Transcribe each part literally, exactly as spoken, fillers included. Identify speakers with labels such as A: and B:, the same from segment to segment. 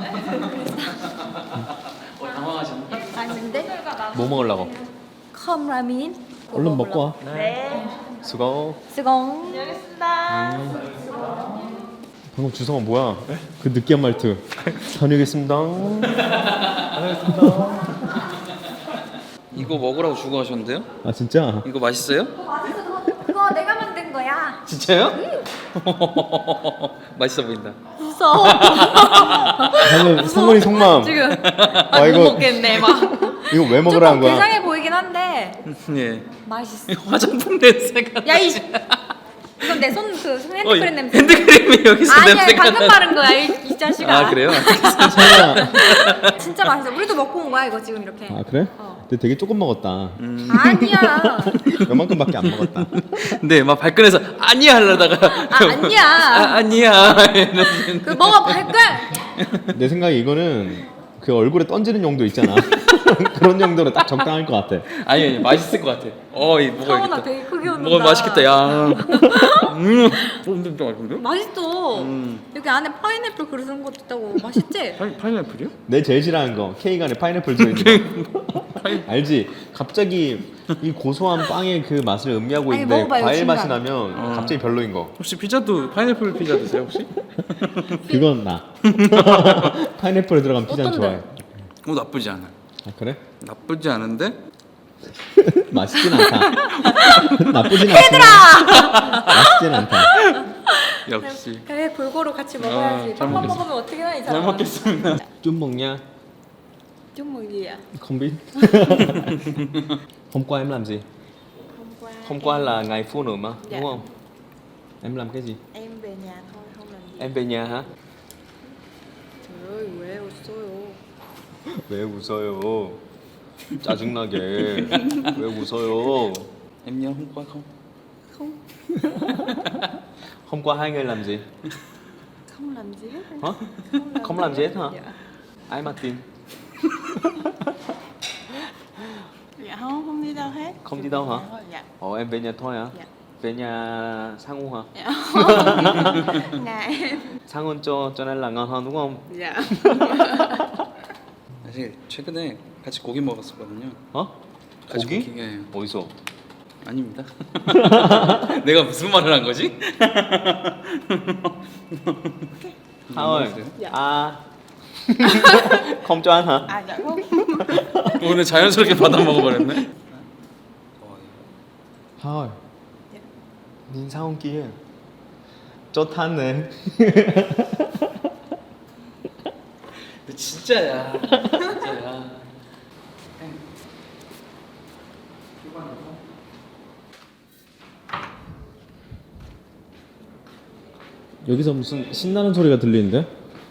A: 어, 당황하셨나?
B: 아닌데?
C: 뭐 먹으려고?
B: 컵라면.
C: 얼른 먹고 와.
B: 네.
C: 수고.
B: 수공.
D: 알겠습니다.
C: 방금 주성아 뭐야? 그 느끼한 말투. 다녀오겠습니다.
A: 이거 먹으라고 주고 가셨는데요?
C: 아 진짜?
A: 이거 맛있어요?
B: 맛있어. 그거 내가 만든 거야.
A: 진짜요? 맛있어 보인다.
B: 무서워.
C: 방금 성건이 속마음.
B: 지금
C: 아,
B: 못
C: 이거-
B: 먹겠네 막.
C: 이거 왜 먹으라는
B: 조금
C: 거야?
B: 불쌍해 보이긴 한데
A: 예.
B: 맛있어.
A: 화장품 냄새가.
B: 야 이. 이건 내 손 그 핸드크림
A: 어,
B: 냄새.
A: 핸드크림이 여기서
B: 아니야
A: 냄새가
B: 방금
A: 나.
B: 바른 거야 이, 이 자식아.
A: 아 그래요?
C: 설마.
B: 진짜 맛있어. 우리도 먹고 온 거야 이거 지금 이렇게.
C: 아 그래?
B: 어.
C: 근데 되게 조금 먹었다.
A: 음.
B: 아니야.
C: 요만큼밖에 안 먹었다.
A: 네, 막 발끈해서 아니야 하려다가
B: 아 아니야.
A: 아, 아니야. 이러는데.
B: 그 먹어 발끈.
C: 내 생각에 이거는 그 얼굴에 던지는 용도 있잖아. 그런 용도로 딱 적당할 것 같아.
A: 아니 아니 맛있을 것 같아. 어, 이
B: 성원아
A: 먹어야겠다.
B: 되게 크게 웃는다.
A: 먹어 맛있겠다. 야. 음. 좀 좀 맛있는데?
B: 맛있어.
A: 음.
B: 여기 안에 파인애플 그런 것도 있다고. 맛있지?
A: 파인 파인애플이요?
C: 내 제일 싫어하는 거 케이크 안에 파인애플 들어있는 거. 알지? 갑자기 이 고소한 빵의 그 맛을 음미하고
B: 아니,
C: 있는데
B: 먹어봐요,
C: 과일 맛이
B: 중간.
C: 나면
A: 어.
C: 갑자기 별로인 거.
A: 혹시 피자도 파인애플 피자 드세요 혹시?
C: 그건 나. 파인애플에 들어간 피자는
B: 어떤데?
C: 좋아해.
A: 어 나쁘지 않아.
C: 아 그래?
A: 나쁘지 않은데
C: 맛있진 않다. 나쁘진 않지만 맛있진 않다.
A: 역시
B: 그래 골고루 같이 먹어야지.
A: 아, 잘
B: 빵만
A: 먹겠습니다.
B: 먹으면 어떻게 해야 이
A: 잘
B: 사람.
A: 먹겠습니다.
C: 좀 먹냐?
B: 좀 먹이야.
C: Không biết. Hôm qua em làm gì?
B: Hôm qua.
C: Hôm qua là ngày phụ nữ mà,
B: Dạ.
C: đúng không? Em làm cái gì?
B: Em về nhà thôi, không làm gì.
C: Em về nhà hả?
B: Trời ơi, 왜 웃어요?
C: 왜 웃어요? 짜증나게. 왜 웃어요?
A: Em nhớ hôm qua không?
B: Không,
C: Hôm qua hai người làm gì?
B: không làm gì hết.
C: Hả? Không làm gì hết hả?
B: Dạ.
C: Ai mà tin?
D: Dạ không, không đi đâu hết.
C: Không đi đâu hả?
D: Dạ.
C: Ồ em về nhà thôi hả?
D: Dạ.
C: Về nhà sang Ung hả?
D: Dạ. Nhà em.
C: Sang Ung cho cho nên là ngon hơn đúng không?
D: Dạ.
A: 사실 최근에 같이 고기 먹었었거든요.
C: 어?
A: 같이
C: 고기?
A: 고기? 예.
C: 어디서?
A: 아닙니다. 내가 무슨 말을 한 거지?
C: 하얼.
D: Dạ.
C: 아. Không cho ăn hả?
D: À dạ không.
A: 오늘 자연스럽게 받아 먹어버렸네.
C: 하얼. 닌 사온 kia. 좋다네.
A: 진짜야. 진짜야.
C: 여기서 무슨 신나는 소리가 들리는데?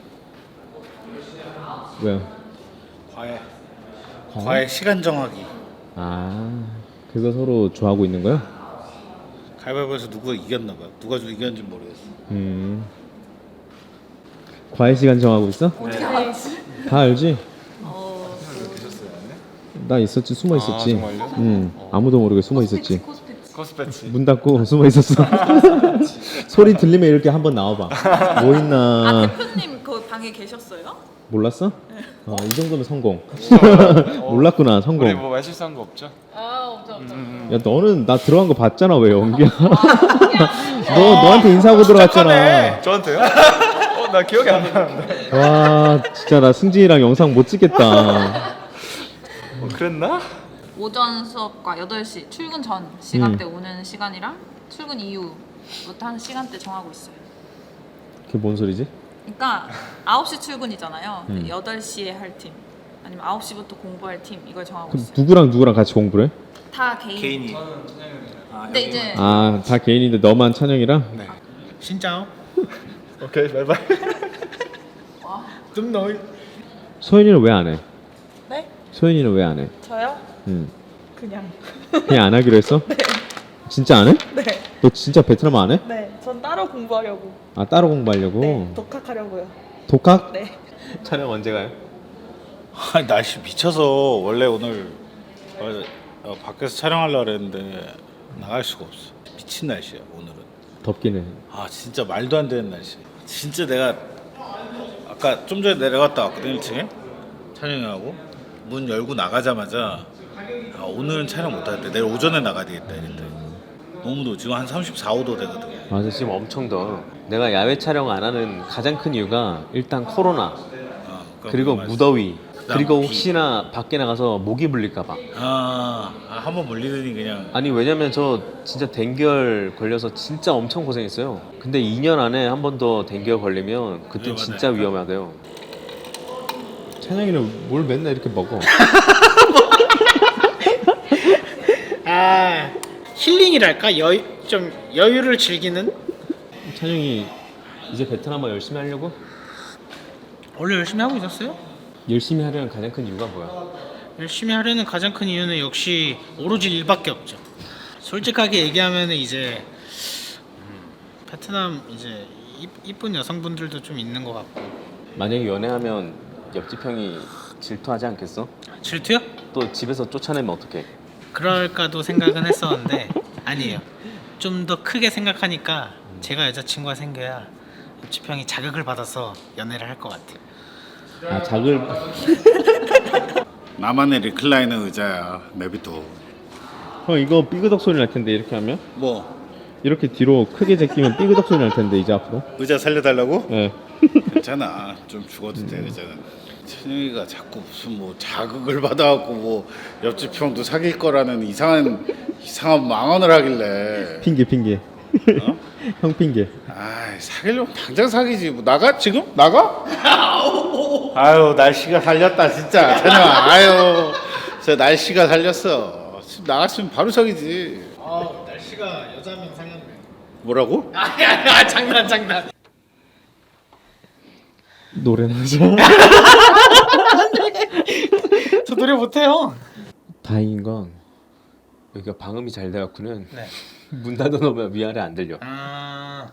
C: 왜요?
E: 과외. 과외 시간 정하기.
C: 아, 그거 서로 좋아하고 있는 거야?
E: 가위바위보에서 누가 이겼나 봐요. 누가 좀 이겼는지 모르겠어.
C: 음. 과외 시간 정하고 있어?
B: 어떻게 알지?
C: 다 알지?
B: 어,
C: 나 있었지, 숨어 있었지.
E: 정말요?
C: 응, 아무도 모르게 숨어 있었지.
B: 코스패치.
E: 코스패치.
C: 문 닫고 숨어 있었어. 소리 들리면 이렇게 한번 나와봐. 뭐
D: 아
C: 있나?
D: 대표님 그 방에 계셨어요?
C: 몰랐어? 어, 이 정도면 성공. 몰랐구나, 성공.
E: 우리 뭐 말실수한 거 없죠?
D: 아 엄청 엄청.
C: 야 너는 나 들어간 거 봤잖아 왜 연기야? 너 너한테 인사하고 들어갔잖아.
E: 저한테요? 어, 나 기억이 안 나는데.
C: 와 진짜 나 승진이랑 영상 못 찍겠다.
E: 어, 그랬나?
D: 오전 수업과 여덟 시 출근 전 시간대 오는 시간이랑 출근 이후부터 한 시간대 정하고 있어요.
C: 그게 뭔 소리지?
D: 그러니까 아홉 시 출근이잖아요.
C: 음.
D: 여덟 시에 할 팀. 아니면 아홉 시부터 공부할 팀 이걸 정하고
C: 그럼
D: 있어요.
C: 누구랑 누구랑 같이 공부를 해?
D: 다 개인.
E: 개인이.
D: 근데 이제
C: 아 다 개인인데 너만 찬영이랑?
E: 네. 신짜오. 오케이, 바이바이. 좀 너희.
C: 소연이는 왜 안 해?
D: 네?
C: 소연이는 왜 안 해?
D: 저요?
C: 응.
D: 그냥.
C: 그냥 안 하기로 했어? 네. 진짜 안 해?
D: 네.
C: 너 진짜 베트남 안 해?
D: 네. 전 따로 공부하려고.
C: 아 따로 공부하려고?
D: 네. 독학하려고요.
C: 독학?
D: 네.
C: 촬영 언제 가요?
E: 아, 날씨 미쳐서 원래 오늘 어, 어, 밖에서 촬영하려고 그랬는데 나갈 수가 없어. 미친 날씨야 오늘은.
C: 덥긴 해.
E: 아 진짜 말도 안 되는 날씨. 진짜 내가 아까 좀 전에 내려갔다 왔거든 일 층에 촬영하고 문 열고 나가자마자 아, 오늘은 촬영 못하겠다. 내일 오전에 나가야 되겠다 이랬대. 너무 더워. 지금 한 삼십사, 오 도 되거든.
C: 맞아, 지금 엄청 더워. 내가 야외 촬영 안 하는 가장 큰 이유가 일단 코로나,
E: 어,
C: 그리고
E: 맞아.
C: 무더위,
E: 그다음
C: 그리고
E: 비.
C: 혹시나 밖에 나가서 모기 물릴까봐.
E: 아, 아 한번 물리더니 그냥
C: 아니 왜냐면 저 진짜 댕결 걸려서 진짜 엄청 고생했어요. 근데 이 년 안에 한 번 더 댕결 걸리면 그때
E: 위험하다니까?
C: 진짜 위험하대요. 찬영이는 뭘 맨날 이렇게 먹어?
F: 아 힐링이랄까 여유 좀 여유를 즐기는.
C: 찬영이 이제 베트남어 열심히 하려고?
F: 원래 열심히 하고 있었어요?
C: 열심히 하려는 가장 큰 이유가 뭐야?
F: 열심히 하려는 가장 큰 이유는 역시 오로지 일밖에 없죠. 솔직하게 얘기하면 이제 음, 베트남 이제 이, 이쁜 여성분들도 좀 있는 것 같고.
C: 만약에 연애하면 옆집 형이 질투하지 않겠어?
F: 질투요?
C: 또 집에서 쫓아내면 어떡해?
F: 그럴까도 생각은 했었는데 아니에요. 좀 더 크게 생각하니까 제가 여자친구가 생겨야 옆집 형이 자극을 받아서 연애를 할 것 같아요.
C: 아 작을
E: 나만의 리클라이너 의자야. 내비도.
C: 형 이거 삐그덕 소리 날 텐데 이렇게 하면?
E: 뭐
C: 이렇게 뒤로 크게 제끼면 삐그덕 소리 날 텐데 이제 앞으로?
E: 의자 살려달라고?
C: 네.
E: 괜찮아. 좀 죽어도 돼 의자는. 천영이가 자꾸 무슨 뭐 자극을 받아갖고 뭐 옆집 형도 사귈 거라는 이상한 이상한 망언을 하길래.
C: 핑계 핑계.
E: 어?
C: 형 핑계.
E: 아 사귀려면 당장 사귀지. 뭐 나가 지금 나가? 아유 날씨가 살렸다 진짜 찬영아. 아유 저 날씨가 살렸어. 지금 나갔으면 바로 사귀지.
F: 아 날씨가 여자면 살렸네.
E: 뭐라고?
F: 아니 아니 아, 장난 장난.
C: 노래나 하자.
F: 저 노래 못해요.
C: 다행인 건 여기가 방음이 잘 돼갖고는
F: 네.
C: 문 닫아놓으면 위아래 안 들려.
F: 아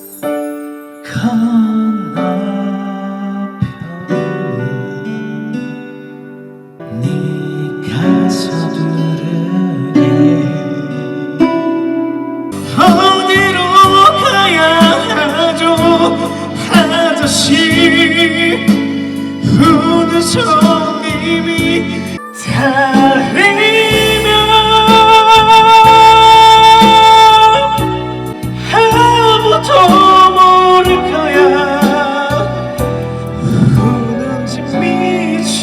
G: 어디로 가야 하죠 아저씨 우는 손님이 달리면 아무도 모를 거야 우는지 미친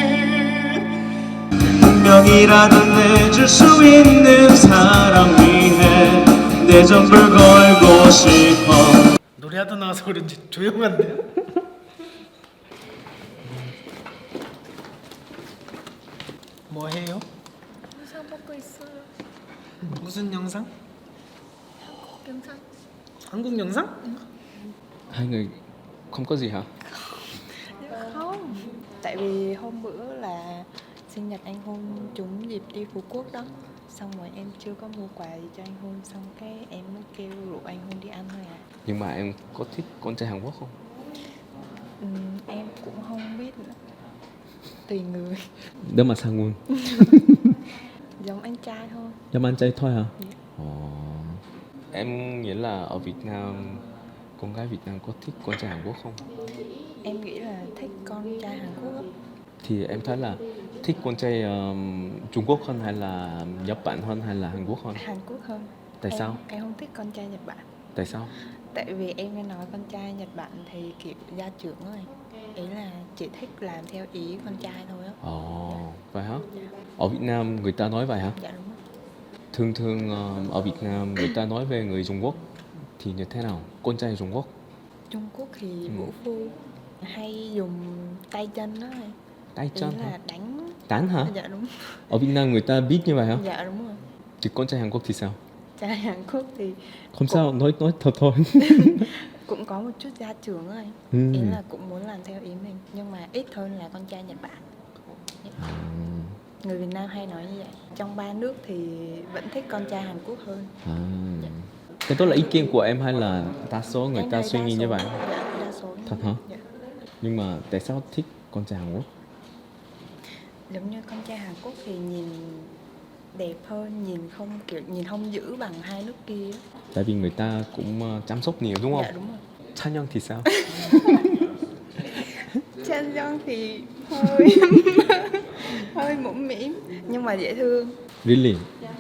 G: 운명이라도 내줄 수 있는 사람 위해 내 전부를 걸고 싶어.
F: 노래하다 나와서 그런지 조용한데요? 뭐 해요?
B: 영상 먹고 있어요.
F: 무슨 영상?
B: 영상.
F: 한국 영상?
C: Hai người không có gì hả?
B: Không. Tại vì hôm bữa là sinh nhật anh Hôn trúng dịp đi Phú Quốc đó. Xong rồi em chưa có mua quà gì cho anh Hôn. Xong cái em mới kêu rủ anh Hôn đi ăn thôi à.
C: Nhưng mà em có thích con trai Hàn Quốc không?
B: Ừ, em cũng không biết nữa. Tùy người.
C: Nếu mà sang luôn.
B: Giống anh trai thôi.
C: Giống anh trai thôi hả?
B: Dạ.
C: Ồ. Em nghĩ là ở Việt Nam con gái Việt Nam có thích con trai Hàn Quốc không?
B: Em nghĩ là thích con trai Hàn Quốc á.
C: Thì em thấy là thích con trai um, Trung Quốc hơn hay là Nhật Bản hơn hay là Hàn Quốc hơn?
B: Hàn Quốc hơn.
C: Tại
B: em,
C: sao?
B: Em không thích con trai Nhật Bản.
C: Tại sao?
B: Tại vì em nghe nói con trai Nhật Bản thì kiểu gia trưởng rồi. Ý là chỉ thích làm theo ý con trai thôi á.
C: Ồ, vậy hả? Ở Việt Nam người ta nói vậy hả?
B: Dạ đúng rồi.
C: Thường thường um, ở Việt Nam người ta nói về người Trung Quốc thì như thế nào? Con trai Trung Quốc
B: Trung Quốc thì
C: Ừ.
B: vũ phu hay dùng tay chân đó rồi.
C: tay
B: Ý
C: chân
B: là
C: hả?
B: đánh.
C: Tán hả?
B: Dạ đúng.
C: Ở Việt Nam người ta biết như vậy hả?
B: Dạ đúng rồi.
C: Thì con trai Hàn Quốc thì sao?
B: Trai Hàn Quốc thì
C: Không sao, nói nói thật thôi.
B: cũng có một chút gia trưởng rồi.
C: Ừ.
B: Ý là cũng muốn làm theo ý mình. Nhưng mà ít hơn là con trai Nhật Bản.
C: À,
B: Người Việt Nam hay nói như vậy. Trong ba nước thì vẫn thích con trai Hàn Quốc hơn.
C: à. Cái đó là ý kiến của em hay là đa số người
B: Em
C: ta
B: thấy
C: suy
B: đa
C: nghĩ
B: số-
C: như vậy?
B: Dạ, đa số như
C: Thật
B: vậy.
C: hả?
B: Dạ.
C: Nhưng mà tại sao thích con trai Hàn Quốc?
B: Giống như con trai Hàn Quốc thì nhìn đẹp hơn, nhìn không kiểu nhìn không dữ bằng hai nước kia.
C: Tại vì người ta cũng ờ, chăm sóc nhiều đúng không?
B: Dạ đúng rồi.
C: Cha nhân thì sao?
B: Anh John thì hơi hơi mũm mĩm nhưng mà dễ thương.
C: Really?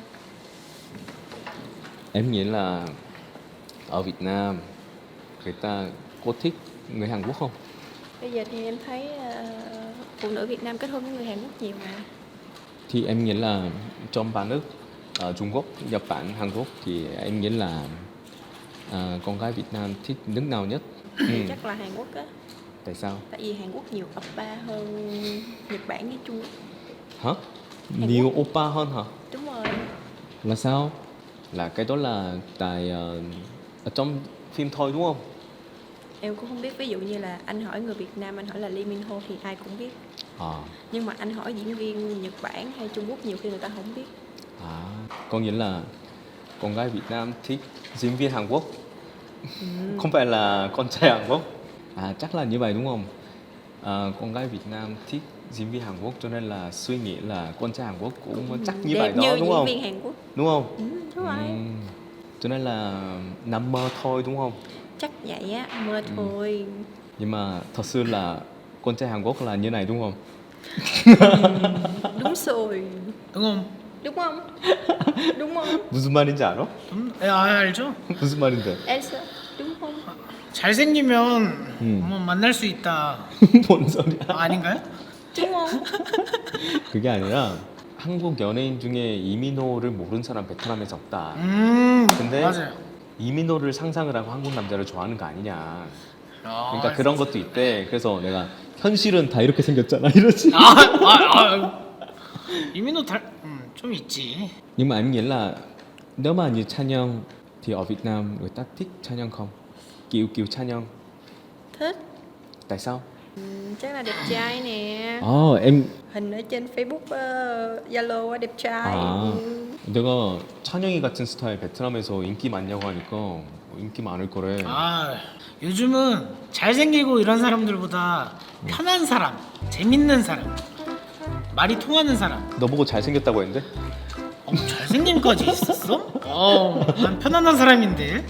C: Em nghĩ là ở Việt Nam người ta có thích người Hàn Quốc không?
H: Bây giờ thì em thấy ờ, phụ nữ Việt Nam kết hôn với người Hàn Quốc nhiều mà.
C: Thì em nghĩ là trong ba nước ở Trung Quốc, Nhật Bản, Hàn Quốc thì em nghĩ là à, con gái Việt Nam thích nước nào nhất? Ừ.
H: Chắc là Hàn Quốc á.
C: Tại sao?
H: Tại vì Hàn Quốc nhiều oppa hơn Nhật Bản với Trung Quốc.
C: Hả?
H: Hàn
C: Nhiều oppa hơn hả?
H: Đúng rồi.
C: Là sao? Là cái đó là tại ờ, ở trong phim thôi đúng không?
H: Em cũng không biết, ví dụ như là anh hỏi người Việt Nam, anh hỏi là Lee Min Ho thì ai cũng biết.
C: À,
H: Nhưng mà anh hỏi diễn viên Nhật Bản hay Trung Quốc nhiều khi người ta không biết.
C: à, có nghĩa là con gái Việt Nam thích diễn viên Hàn Quốc, không phải là con trai Hàn Quốc. À, chắc là như vậy đúng không? À, con gái Việt Nam thích diễn viên Hàn Quốc cho nên là suy nghĩ là con trai Hàn Quốc cũng chắc như
H: Đẹp
C: vậy đó
H: như
C: đúng
H: diễn
C: không?
H: viên Hàn Quốc.
C: Đúng không?
H: Ừ, đúng rồi.
C: Ừm, cho nên là nằm mơ thôi đúng không?
H: Chắc vậy á, mơ thôi.
C: Nhưng mà thật sự là con trai Hàn Quốc là như này đúng không?
H: Đúng rồi.
F: đúng không?
H: Đúng không? Đúng không?
C: 무슨 말인지 알아?
F: 음, 예, 아, 알죠?
C: 무슨 말인데?
H: Elsa, đúng không?
F: 잘생기면
C: 음.
F: 뭐 만날 수 있다.
C: 뭔 소리야?
F: 아, 아닌가요?
H: Đúng không?
C: 그게 아니라 한국 연예인 중에 이민호를 모르는 사람 베트남에서 없다.
F: 음,
C: 근데
F: 맞아요.
C: 이민호를 상상을 하고 한국 남자를 좋아하는 거 아니냐.
F: 아,
C: 그러니까 그런 것도 있대. 그래서 내가 현실은 다 이렇게 생겼잖아 이러지.
F: 아, 아, 아, 이민호 달, 음, 좀 있지.
C: Nhưng mà em nghĩ là nếu mà như Chanyeong thì ở Việt Nam người ta thích Chanyeong không? Kiểu kiểu Chanyeong.
H: Thích.
C: Tại sao?
H: Ừ, chắc là đẹp trai nè.
C: 아, em
H: Hình ở trên Facebook, ờ, Zalo á, đẹp trai.
C: 아,
H: Ừ.
C: 내가 찬영이 같은 스타일 베트남에서 인기 많냐고 하니까 인기 많을 거래.
F: 아, 요즘은 잘생기고 이런 사람들보다 편한 사람, 재밌는 사람, 말이 통하는 사람.
C: 너 보고 잘생겼다고 했는데?
F: 어, 잘생김까지 있었어? 어, 난 편안한 사람인데.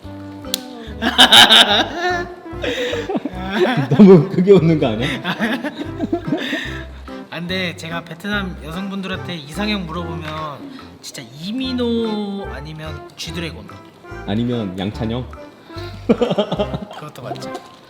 C: 너무 크게 웃는 거 아니야?
F: 아, 근데 제가 베트남 여성분들한테 이상형 물어보면 진짜 이민호 아니면 쥐드래곤.
C: 아니면 양찬영?
F: 그것도 맞죠.